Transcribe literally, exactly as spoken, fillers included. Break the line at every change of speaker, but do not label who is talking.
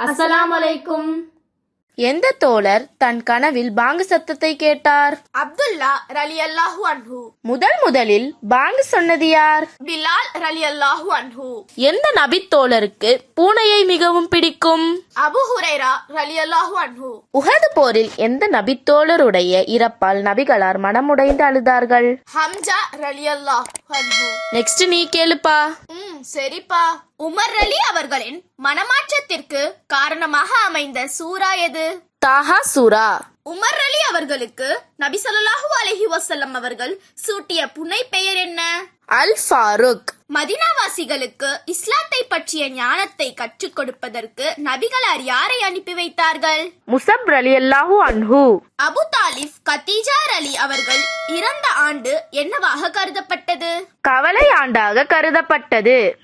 அஸ்ஸலாமு அலைக்கும்.
எந்த தோழர் தன் கனவில் பாங்கு சத்தத்தை கேட்டார்?
அப்துல்லா ரலியல்லாஹு அன்ஹு.
முதல் முதலில் பாங்கு சொன்னது யார்?
பிலால் ரலியல்லாஹு அன்ஹு.
எந்த நபி தோழருக்கு பூனையை மிகவும் பிடிக்கும்?
அபு ஹுரைரா ரலியல்லாஹு அன்ஹு.
உஹது போரில் எந்த நபி தோழருடைய இறப்பால் நபிகளார் மனமுடைந்து அழுதார்கள்?
ஹம்ஜா ரலியல்லாஹு அன்ஹு.
நெக்ஸ்ட் நீ கேளுப்பா.
ம் சரிப்பா. உமர் அலி அவர்களின் மனமாற்றத்திற்கு காரணமாக அமைந்த சூரா எது?
தாஹா சூரா.
உமர் அலி அவர்களுக்கு நபி ஸல்லல்லாஹு அலைஹி வஸல்லம் அவர்கள் சூட்டிய புனை பெயர் என்ன?
அல் ஃபாரூக்.
மதீனாவாசிகளுக்கு இஸ்லாத்தை பற்றிய ஞானத்தை கற்றுக் கொடுப்பதற்கு நபிகளார் யாரை அனுப்பி வைத்தார்கள்?
முஸப் ரலியல்லாஹு அன்ஹு.
அபு தாலிப் கதீஜா அலி அவர்கள் இறந்த ஆண்டு என்னவாக கருதப்பட்டது?
கவலை ஆண்டாக கருதப்பட்டது.